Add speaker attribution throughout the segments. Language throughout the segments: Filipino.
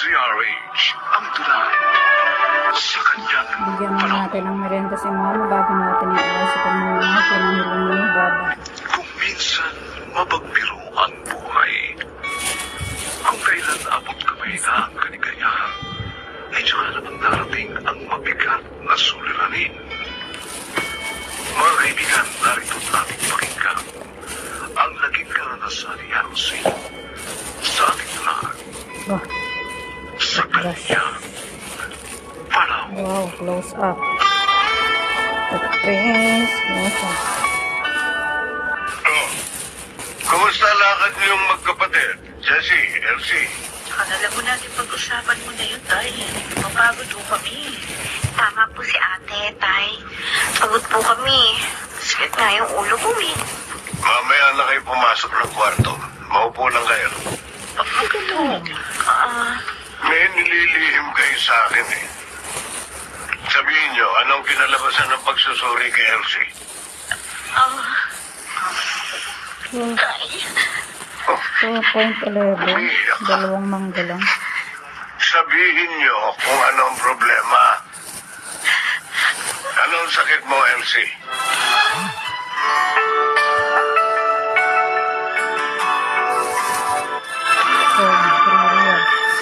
Speaker 1: DZRH ang tunay sa kanyang
Speaker 2: Bigyan mo
Speaker 1: panahon.
Speaker 2: natin ng merenda si Mama bago natin iayos kung mga pinangilan mo ni Baba.
Speaker 1: Kung minsan mabagbiro ang buhay, kung kailan abot kamay na ang kaligayahan, ay tsaka naman darating ang mabigat na suliranin. Mga kaibigan, narito't ating pakinggan ang naging karanasan ni Elsie sa ating lahat
Speaker 2: Oh,
Speaker 1: sa kanyang panahon.
Speaker 2: wow, close up. Prince, close up.
Speaker 1: Oh, kumusta lakad niyong magkapatid? Jessie, Elsie?
Speaker 3: Alam mo natin pag-usapan mo na yun, Tay. Mapagod po kami.
Speaker 4: Tama po si ate, tay. Pagod po kami. Sakit nga yung ulo ko eh.
Speaker 1: Mamaya na kayo pumasok ng kwarto. Maupo lang kayo.
Speaker 3: Pagod.
Speaker 1: May nililihim kayo sa akin eh. Sabihin niyo, anong kinalabasan ng pagsusuri kay Elsie?
Speaker 3: Tay.
Speaker 2: 2.11, dalawang mangga lang.
Speaker 1: Sabihin niyo kung ano ang problema. Anong sakit mo, Elsie?
Speaker 2: So, real.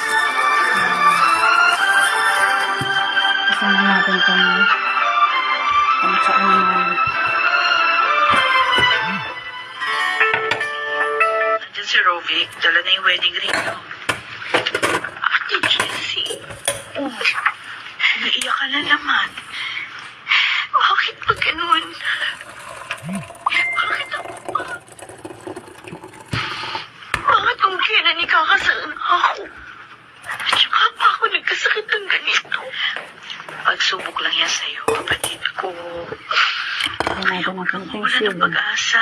Speaker 2: Kasama natin kung saan naman.
Speaker 3: Nandiyan si Rovic. Dala na yung wedding ring, no? Ate Jessie. Oh, naiiyak ka na naman.
Speaker 4: Bakit ba ganun? Bakit ako ba? Bakit kung kailan ikakasal na ako? At saka pa ako nagkasakit ng ganito?
Speaker 3: Pagsubok lang yan sa'yo, kapatid ko.
Speaker 2: Kaya natin ang konting
Speaker 3: Wala ng
Speaker 2: silong.
Speaker 3: pag-asa.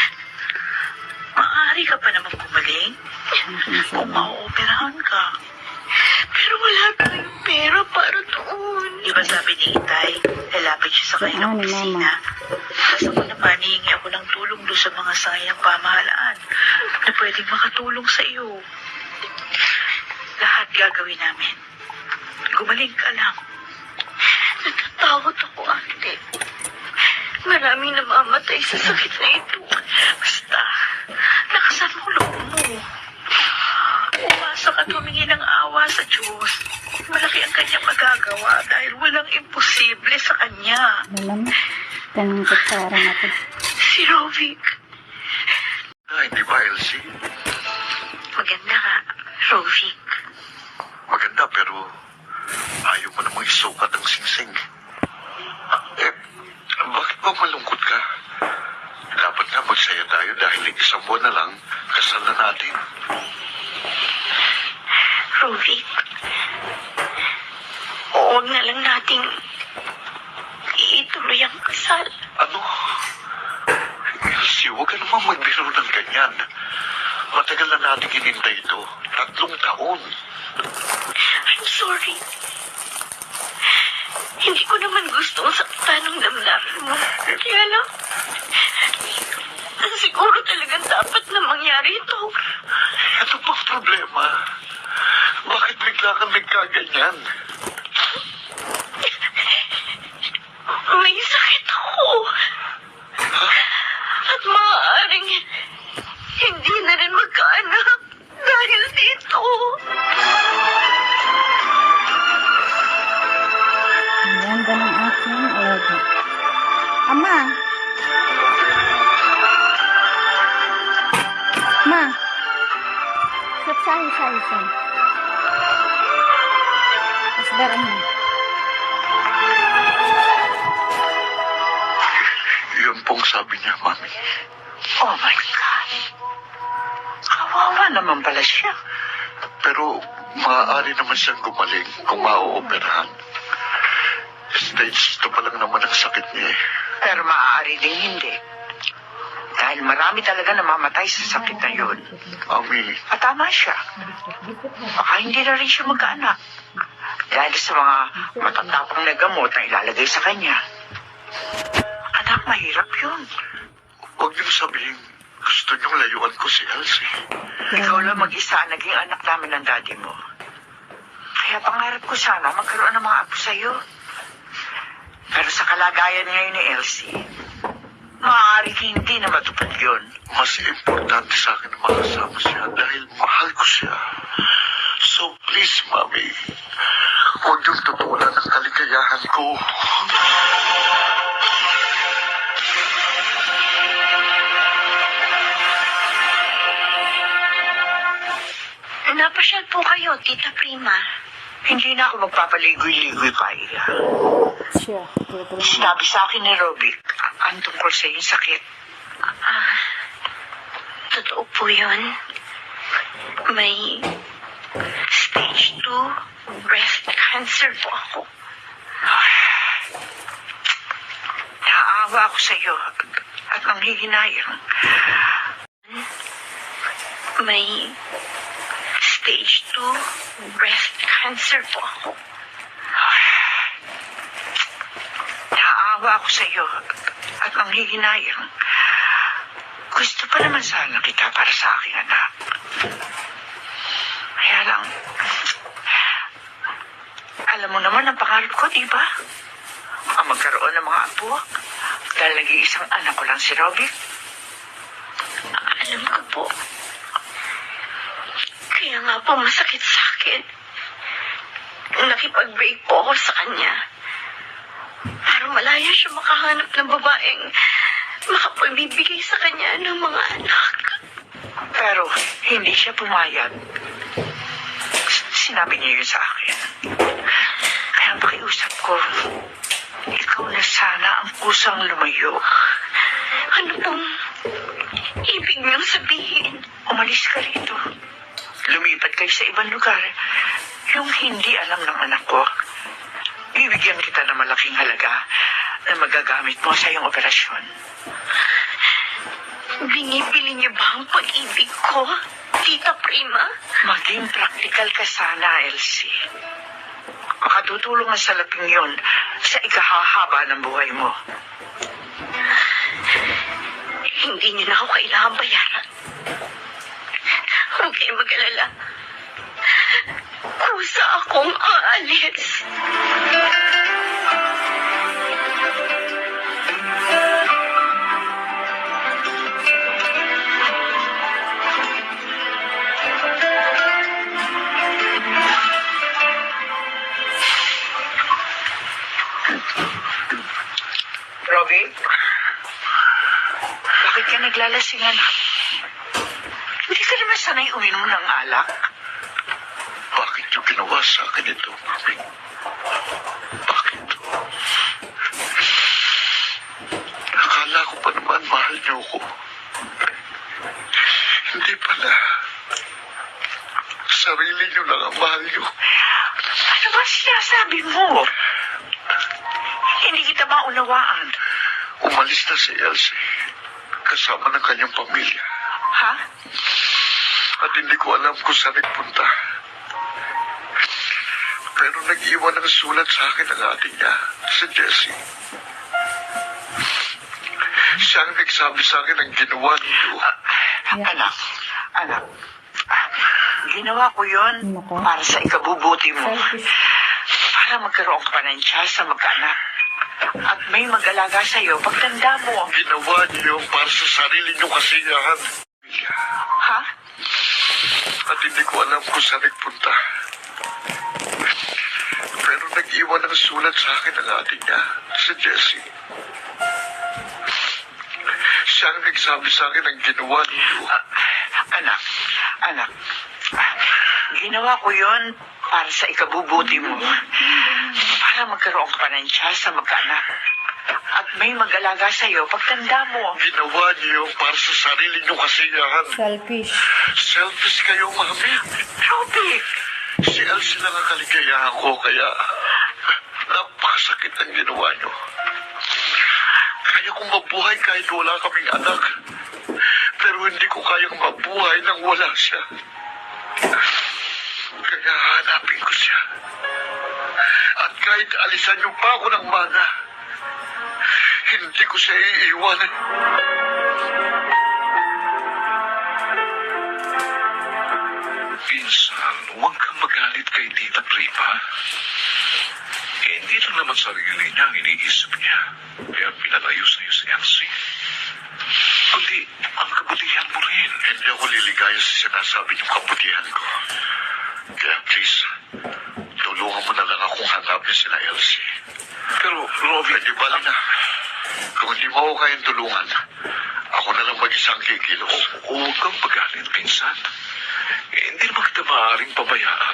Speaker 3: Maaari ka pa naman gumaling kung ma-operahan ka.
Speaker 4: Pero wala tayong pera para doon.
Speaker 3: Di ba sabi ni Itay, lalapit siya sa kanilang
Speaker 2: Saan ni Mama?
Speaker 3: opisina. Tapos ako naman, hihingi ako ng tulong doon sa mga sayang pamahalaan na pwedeng makatulong sa iyo. Lahat gagawin namin. Gumaling ka lang.
Speaker 4: Natatakot ako, ate. Maraming namamatay sa sakit na ito.
Speaker 3: Basta, lakasan mo loob mo. Umasa ka at humingi ng awa sa Diyos. Malaki ang kanya magagawa dahil walang imposible sa kanya.
Speaker 2: Alam, itong kutsara natin.
Speaker 4: Si Rovic.
Speaker 1: Ay, di ba, Elsie?
Speaker 4: Maganda ka, Rovic.
Speaker 1: Maganda, pero ayaw mo namang isukat ang singsing. Bakit ba malungkot ka? Dapat nga magsaya tayo dahil isang buwan na lang, kasal na natin.
Speaker 4: Rovic. Huwag na lang nating ituloy ang kasal.
Speaker 1: Ano? Elsie, huwag ka naman magbiro ng ganyan. Matagal na natin hinintay ito. 3 taon.
Speaker 4: I'm sorry. Hindi ko naman gustong saktan ng damdamin mo. Kaya lang, siguro talagang dapat na mangyari ito.
Speaker 1: Ano bang problema? Bakit bigla kang nagkaganyan?
Speaker 4: May sakit ako. At maaaring hindi na rin magkaanak dahil dito.
Speaker 2: Ang ganda ng aking alaga. Ama! Ma! Sahi. Asdaran mo.
Speaker 1: Yun pong sabi niya, Mami.
Speaker 3: Oh my God. Kawawa naman pala siya.
Speaker 1: Pero maaari naman siyang gumaling kung ma-ooperahan. Stage 2 pa lang naman ang sakit niya eh.
Speaker 5: Pero maaari din hindi. Dahil marami talaga namamatay sa sakit na yun.
Speaker 1: Mami,
Speaker 5: At tama siya. Baka hindi na rin siya magkaanak. Dahil sa mga matatapang na gamot na ilalagay sa kanya. Anak, mahirap yun.
Speaker 1: huwag niyo sabihin gusto niyong layuan ko si Elsie.
Speaker 5: Ikaw lang mag-isa ang naging anak namin ng daddy mo. Kaya pangarap ko sana magkaroon ng mga apo sa'yo. Pero sa kalagayan ngayon ni Elsie, maaaring hindi na matupad yun.
Speaker 1: Mas importante sa akin na makasama siya dahil mahal ko siya. So please, Mami, huwag niyong tutulan ang kaligayahan ko.
Speaker 4: Napasyal po kayo, Tita Prima.
Speaker 5: Hindi na ako magpapaligoy-ligoy pa, Ila.
Speaker 2: Siya.
Speaker 5: Sinabi sa akin ni Robic ang tungkol sa iyong sakit.
Speaker 4: Totoo po yun. May stage 2 breast cancer po ako.
Speaker 5: Naaawa ako sa iyo at nanghihinayang.
Speaker 4: May stage 2 breast cancer po ako.
Speaker 5: Naaawa ako sa iyo at nanghihinayang. Gusto pa naman sana kita para sa aking anak. Kaya lang, alam mo naman ang pangarap ko, di ba? Ang magkaroon ng mga apo dahil nag-iisang anak ko lang si Robic.
Speaker 4: Alam ko po. Kaya nga po masakit sa akin. Nakipag-break po ako sa kanya. Para malaya siya makahanap ng babaeng makapagbibigay sa kanya ng mga anak.
Speaker 5: Pero hindi siya pumayag. Sinabi niya yun sa akin. Kaya pakiusap ko, ikaw na sana ang kusang lumayo.
Speaker 4: Ano pong ibig niyong sabihin?
Speaker 5: Umalis ka rito. Lumipat kayo sa ibang lugar. Yung hindi alam ng anak ko. Bibigyan kita ng malaking halaga na magagamit mo sa iyong operasyon.
Speaker 4: Binibili niyo ba ang pag-ibig ko, Tita Prima?
Speaker 5: Maging praktikal ka sana, Elsie. Makatutulong ang salaping yun sa ikahahaba ng buhay mo.
Speaker 4: Hindi niyo na ako kailangan bayaran. Huwag kayong mag-alala. Kusa akong aalis.
Speaker 5: Robin? Bakit ka naglalasing, anak? Hindi ka naman sanay uminom ng alak.
Speaker 1: Bakit yung ginawa sa akin ito, Mami? Bakit? Akala ko pa naman mahal niyo ko. Hindi pala. Sarili niyo lang ang mahal niyo.
Speaker 5: Ano ba sinasabi mo? Hindi kita maunawaan.
Speaker 1: Umalis na si Elsie kasama ng kanyang pamilya.
Speaker 5: Ha?
Speaker 1: At hindi ko alam kung saan nagpunta. Pero nag-iwan ng sulat sa akin ng ate niya, si Jessie. Siya ang nagsabi sa akin ng ginawa niyo.
Speaker 5: Anak, anak. Ginawa ko yun
Speaker 2: Nako.
Speaker 5: para sa ikabubuti mo.
Speaker 2: Selfish.
Speaker 5: Para magkaroon ka pa ng chance sa magkaanak. At may mag-alaga sa'yo pagtanda mo.
Speaker 1: Ginawa niyo para sa sarili niyo kasiyahan.
Speaker 5: Ha?
Speaker 1: At hindi ko alam kung saan nagpunta. Pero nag-iwan ng sulat sa akin ng ate niya, si Jessie. Siya ang nagsabi sa akin ng ginawa niyo.
Speaker 5: Anak, anak. Ginawa ko yun para sa ikabubuti mo. Para magkaroon ka pa ng chance sa magkaanak. At may mag-alaga sa'yo pagtanda mo.
Speaker 1: Ginawa niyo para sa sarili niyo kasiyahan.
Speaker 2: Selfish.
Speaker 1: Selfish kayo, Mami.
Speaker 5: Robic!
Speaker 1: Si Elsie lang ang kaligayahan ko, kaya napakasakit ang ginawa niyo. Kaya kong mabuhay kahit wala kaming anak. Pero hindi ko kayang mabuhay nang wala siya. Kaya hanapin ko siya. At kahit alisan niyo pa ako ng mana, hindi ko siya iiwanan. Pinsan, huwag kang magalit kay Tita Prima. Hindi lang naman sarili niya ang iniisip niya. Kaya pinalayo sa'yo si Elsie. Kundi ang kabutihan mo rin. Hindi ako liligaya sa sinasabi niyong kabutihan ko. Kaya please, tulungan mo na lang akong hanapin sila Elsie. Pero, Robbie... Hindi bali na. Kung hindi mo ako kayang tulungan, ako na lang mag-isang kikilos. Huwag kang pagalit, pinsan. Hindi naman kita maaaring pabayaan.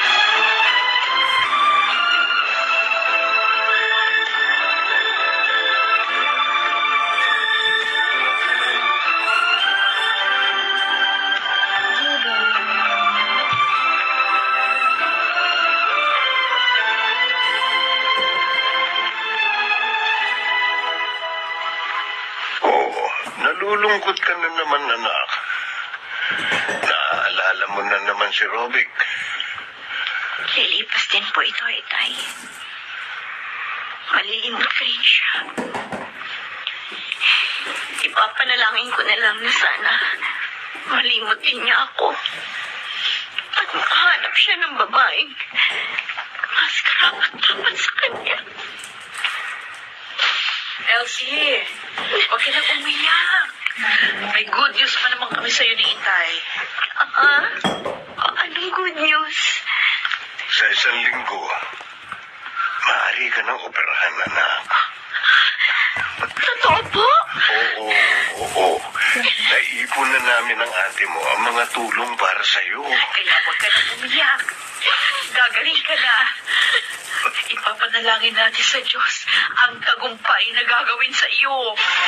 Speaker 6: Oo, nalulungkot ka na naman, anak. Naaalala mo na naman si Robic.
Speaker 4: Lilipas din po ito, Itay. Malilimot ko rin siya. Ipapanalangin ko na lang na sana malimot din niya ako. At makahanap siya ng babaeng mas karapat-dapat sa kanya.
Speaker 3: Elsie, huwag ka nang umiyak. May good news pa naman kami sa'yo ni Itay.
Speaker 4: Anong good news?
Speaker 6: Sa isang linggo, maaari ka ng operahan, anak.
Speaker 4: Totoo po?
Speaker 6: Oo. Naipon na namin ng ate mo ang mga tulong para sa'yo.
Speaker 3: Kaya huwag ka nang umiyak. Gagaling ka na. Ipapanalangin natin sa Diyos ang tagumpay na gagawin sa iyo.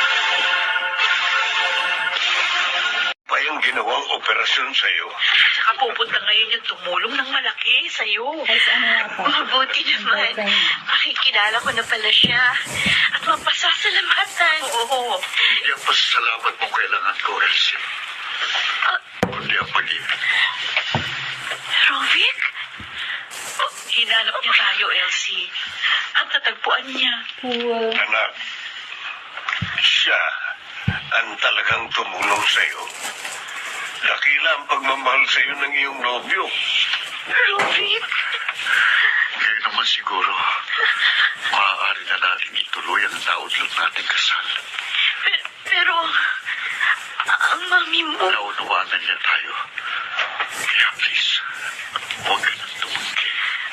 Speaker 6: Pa yung ginawang operasyon sa'yo.
Speaker 3: At saka pupunta ngayon yung tumulong ng malaki sa iyo.
Speaker 2: Guys, ano nga po?
Speaker 4: Mabuti naman. Makikilala ko na pala siya. At mapasasalamatan.
Speaker 3: Oo.
Speaker 1: Hindi ang pasasalamat mong kailangan ko, Elsie. Kundi ang pag-ibig.
Speaker 4: Rovic?
Speaker 3: Hinanap niya tayo, Elsie. At natagpuan niya.
Speaker 2: Cool.
Speaker 6: Anak, siya ang talagang tumulong sa'yo. Dakila ang pagmamahal sa'yo ng iyong nobyo.
Speaker 4: Rovic?
Speaker 1: Ngayon naman siguro, maaari na natin ituloy ang naudlot nating kasal.
Speaker 4: Pero, ang mami mo...
Speaker 1: Naunawaan na niya tayo. Kaya please, huwag ka nang tumanggi.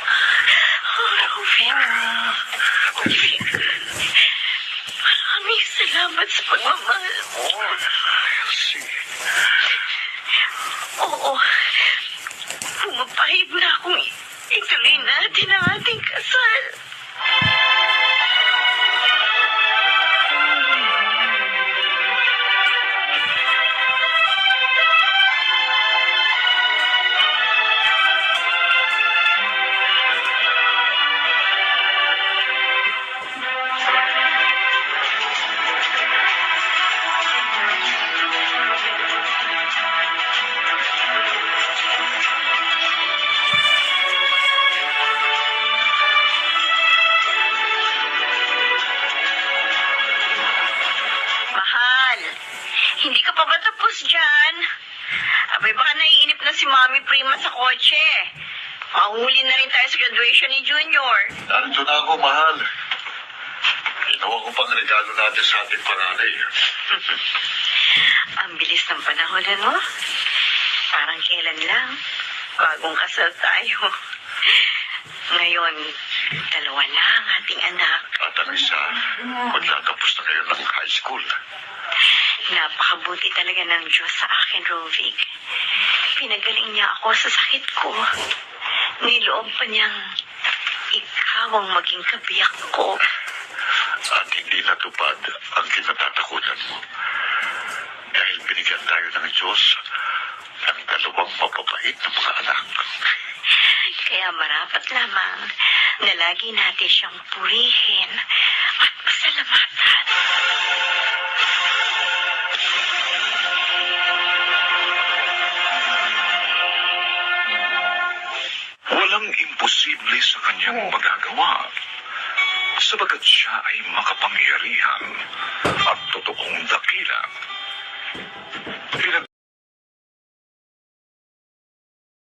Speaker 4: Rovic. Maraming salamat sa pagmamahal mo.
Speaker 1: Elsie,
Speaker 4: Oo. Pumapahid na akong ituloy natin ang ating kasal. Mahal, hindi ka pa ba tapos dyan? Abay, baka naiinip na si Mami Prima sa kotse. Mahuli na rin tayo sa graduation ni Junior.
Speaker 1: narito na ako, mahal. Ginawa ko pang regalo natin sa ating panganay.
Speaker 4: Ang bilis ng panahon, ano? Parang kailan lang. Bagong kasal tayo. Ngayon, dalawa na ang ating anak.
Speaker 1: At ang isa, magtatapos na ngayon ng high school.
Speaker 4: Napakabuti talaga ng Diyos sa akin, Rovic. Pinagaling niya ako sa sakit ko. Niloob pa niyang ikaw ang maging kabiyak ko.
Speaker 1: At hindi natupad ang kinatatakutan mo. Dahil binigyan tayo ng Diyos ng dalawang mapapait na mga anak.
Speaker 4: Kaya marapat lamang na lagi natin siyang purihin at pasalamatan.
Speaker 1: Walang imposible sa kanyang magagawa. Sabagat siya ay makapangyarihan at totoong dakila.